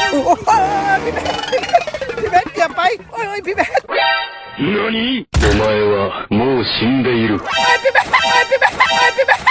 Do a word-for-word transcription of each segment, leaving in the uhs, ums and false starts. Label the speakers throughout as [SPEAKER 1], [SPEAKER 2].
[SPEAKER 1] โอ้โหพี่เบสพี่เบสเกือบไปโอ้ยพี่เบส
[SPEAKER 2] 何お前はもう死んでいる
[SPEAKER 1] พี่เบสพี่เบสพี่เบส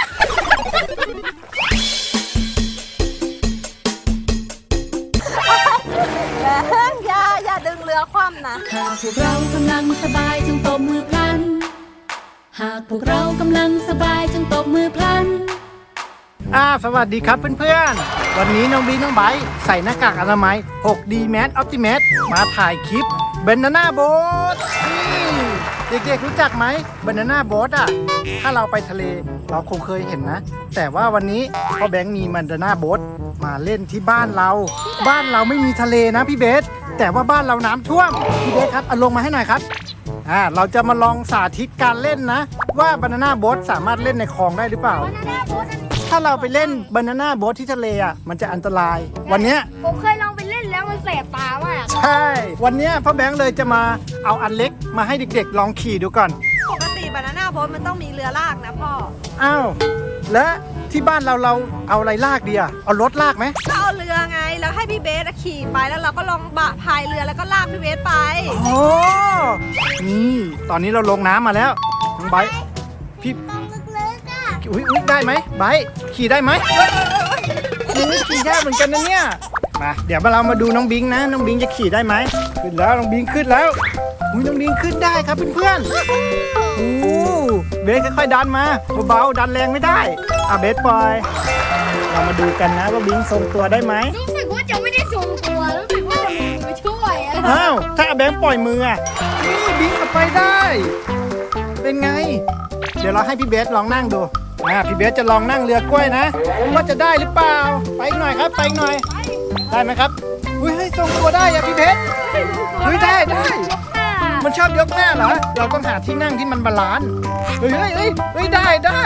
[SPEAKER 3] อย่าอย่าดึงเรือคว่ำนะ
[SPEAKER 4] หากพวกเรากำลังสบายจงตบมือพลันหากพวกเรากำลังสบายจงตบมือพลัน
[SPEAKER 1] อ่าสวัสดีครับเพื่อนๆวันนี้น้องบีน้องไบร์ทใส่หน้ากากอนามัย หกดี Mask Optimus มาถ่ายคลิป Banana Boat นี่เด็กๆรู้จักไหม Banana Boat อ่ะถ้าเราไปทะเลเราคงเคยเห็นนะแต่ว่าวันนี้พ่อแบงค์มี Banana Boat มาเล่นที่บ้านเราบ้านเราไม่มีทะเลนะพี่เบสแต่ว่าบ้านเราน้ำท่วมพี่เบสครับเอาลงมาให้หน่อยครับอ่าเราจะมาลองสาธิตการเล่นนะว่า Banana Boat สามารถเล่นในคลองได้หรือเปล่าถ้าเราไปเล่นบานาน่าโบ๊ทที่ทะเลอ่ะมันจะอันตรายวันเนี้ย
[SPEAKER 3] ผมเคยลองไปเล่นแล้วมันแสบตามาก
[SPEAKER 1] ใช่วันเนี้ยพ่อแบงค์เลยจะมาเอาอันเล็กมาให้เด็กๆลองขี่ดูก่อน
[SPEAKER 3] ปกติบานาน่าโบ๊ทมันต้องมีเรือลากนะพ่อ
[SPEAKER 1] อ้าวและที่บ้านเราเราเอาอะไรลากดีอ่ะเอารถลากไหม
[SPEAKER 3] ก็เอาเรือไงแล้วให้พี่เบสขี่ไปแล้วเราก็ลองบะพายเรือแล้วก็ลากพี่เบสไป
[SPEAKER 1] โอ้นี่ตอนนี้เราลงน้ำมาแล้วน้องไบร์ทพี่อุ้ยอุ้ยได้ไหมไบร์ทขี่ได้ไหมนี่ขี่ได้เหมือนกันนะเนี่ยมาเดี๋ยวเรามาดูน้องบิงนะน้องบิงจะขี่ได้ไหมขึ้นแล้วน้องบิงขึ้นแล้วอุ้ยน้องบิงขึ้นได้ครับเพื่อนๆโอ้เบสค่อยๆดันมาเบาๆดันแรงไม่ได้อ่ะเบสปล่อยเรามาดูกันนะว่าบิงทรงตัวได้ไหม
[SPEAKER 3] รู้สึกว่าจะไม่ได้ทรงตัวรู้สึกว่าจะมีมือช่วย
[SPEAKER 1] อ้าวถ้าแบงค์ปล่อยมืออ่ะนี่บิงไปได้เป็นไงเดี๋ยวเราให้พี่เบสลองนั่งดูอ่าพี่เบสจะลองนั่งเรือกล้วยนะว่าจะได้หรือเปล่าไปอีกหน่อยครับไปอีกหน่อยได้ไหมครับอุ้ยให้ทรงตัวได้อะพี่เบสเฮ้ยได้ได้มันชอบยกหน้าเหรอเราต้องหาที่นั่งที่มันบาลานซ์เฮ้ยเฮ้ยเฮ้ยเฮ้ยได้ได้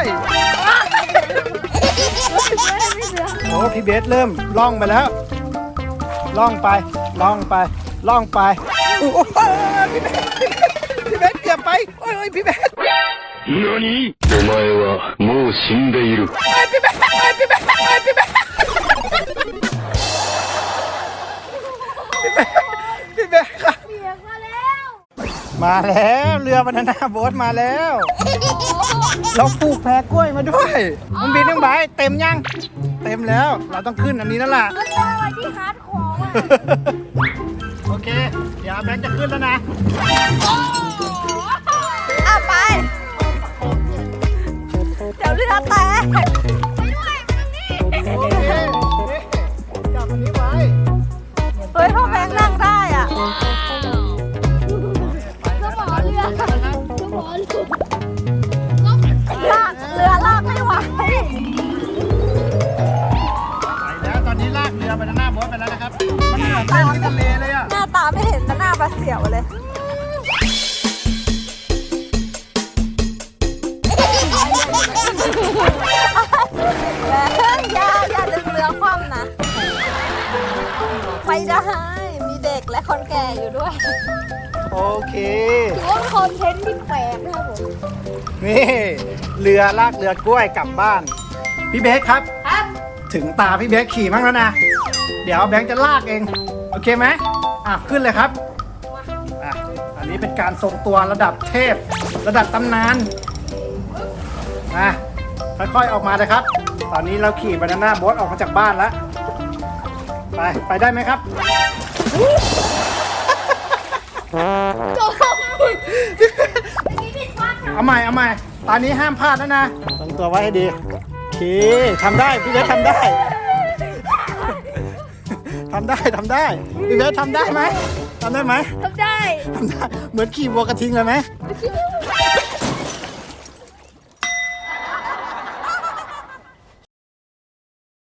[SPEAKER 1] โอ้พี่เบสเริ่มล่องไปแล้วล่องไปล่องไปล่องไปโอ้โหพี่เบสพี่เบสเกือบไปโอ้ยพี่เบส
[SPEAKER 2] 何お前はもう死んでいる
[SPEAKER 1] พี่เบสพี่เบสพี่เบสพี่เบสครับมาแล้วเรือบานาน่าโบ๊ทมาแล้วเราปลูกแพรกล้วยมาด้วยมันบินทั้งใบเต็มยังเต็มแล้วเราต้องขึ้นอันนี้แล้วล่ะ
[SPEAKER 3] มันเป็นอะไรที่ฮาร์ดคอร์มาก
[SPEAKER 1] โอเคเดี๋ยวแบงค์จะขึ้นแล้วนะ
[SPEAKER 3] เอาไปเดี๋ยวเรือแตกไปด้วยมันนี่
[SPEAKER 1] จับอันนี้ไว้
[SPEAKER 3] เฮ้ยพ่อแบงค์นั่งได้อ่ะ
[SPEAKER 1] ก็หมอเรือก็หมอ
[SPEAKER 3] ลากเรือลากไม่ไหวไป
[SPEAKER 1] แล้วตอนนี้ลากเรือบานาน่าโบ๊ทไปแล้วนะครับมันเหมือนเล่นที่ทะเลเลยอ่ะ
[SPEAKER 3] หน้าตาไม่เห็นแต่หน้าปลาเสียวเลยอย่าอย่าดึงเรือคว่ำนะไปได้มีเด็กและคนแก่อยู่ด้วย
[SPEAKER 1] โอเค
[SPEAKER 3] ถือว่าเป็นคอนเทนต์ที่แปลกนะครับผม
[SPEAKER 1] นี่เรือลากเรือกล้วยกลับบ้านพี่เบสครับ
[SPEAKER 3] ครับ
[SPEAKER 1] ถึงตาพี่เบสขี่มั่งแล้วนะเดี๋ยวแบงค์จะลากเองโอเคไหมอ่ะขึ้นเลยครับอ่ะอันนี้เป็นการทรงตัวระดับเทพระดับตำนานอ่ะค่อยๆออกมาเลยครับตอนนี้เราขี่บานาน่าโบ๊ทออกมาจากบ้านแล้วไปไปได้ไหมครับเอาใหม่เอาใหม่ตอนนี้ห้ามพลาดแล้วนะทรงตัวไว้ให้ดีโอเคทำได้พี่เบสทำได้ทำได้ทำได้พี่เบสทำได้ไหมทำได้ไหม
[SPEAKER 3] ทำได้
[SPEAKER 1] ทำได้เหมือนขี่วัวกระทิงเลยไหม